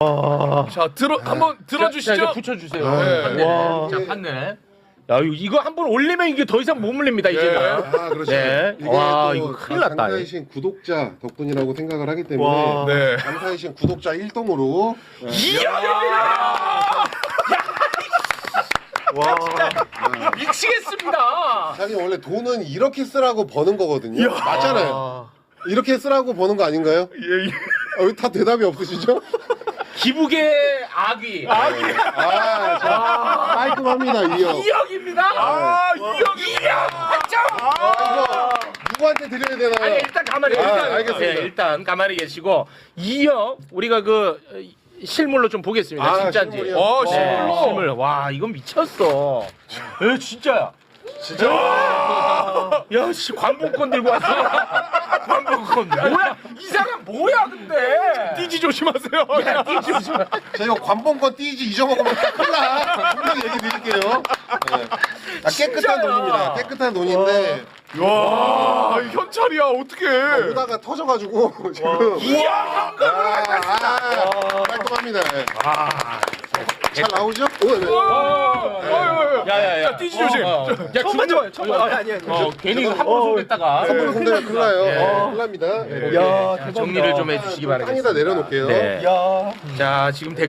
자, 한번 들어주시죠. 자, 이제 붙여주세요. 네. 판넬. 와. 자, 판넬. 야 이거 한 번 올리면 이게 더 이상 못 물립니다 이제는. 아, 그렇죠. 네. 이게 와, 또 이거 큰일 났다. 강사이신 구독자 덕분이라고 생각을 하기 때문에 와. 네. 강사이신 구독자 1동으로 미치겠습니다. 자기 원래 돈은 이렇게 쓰라고 버는 거거든요. 맞잖아요. 이렇게 쓰라고 버는 거 아닌가요? 예, 예. 왜 다 대답이 없으시죠? 기북의 아귀. 아, 자, 깔끔합니다, 이 형. 2억입니다. 아, 이형이. 이거 누구한테 드려야 되나요? 아니 일단 가만히 알겠습니다. 일단 가만히 계시고 2억 우리가 그 실물로 좀 보겠습니다. 아, 진짜인지. 실물이요? 실물로. 실물. 와 이건 미쳤어. 에 진짜야. 진짜? 야, 씨, 관봉권 들고 왔어. 관봉권. 뭐야? 이 사람 뭐야, 근데? 띠지 조심하세요. 야, 띠지 조심. 저 이거 관봉권 띠지 잊어먹으면 큰일 나. 분명히 얘기 드릴게요. 네. 아, 깨끗한 진짜야. 돈입니다. 깨끗한 돈인데 와, 현찰이야. 어떡해. 오다가 터져가지고 지금 이야, 깔끔합니다. 네. 잘 나오죠? 야야야. 자, 띠지 조심. 야, 처음 좋아요. 처음 좋아요. 아니. 괜히 함부로 손댔다가. 선물로 손대면 큰일 나요. 네. 큰일 납니다. 야, 정리를 좀 해주시기 바라겠습니다. 땅에다 내려놓을게요. 네. 자, 지금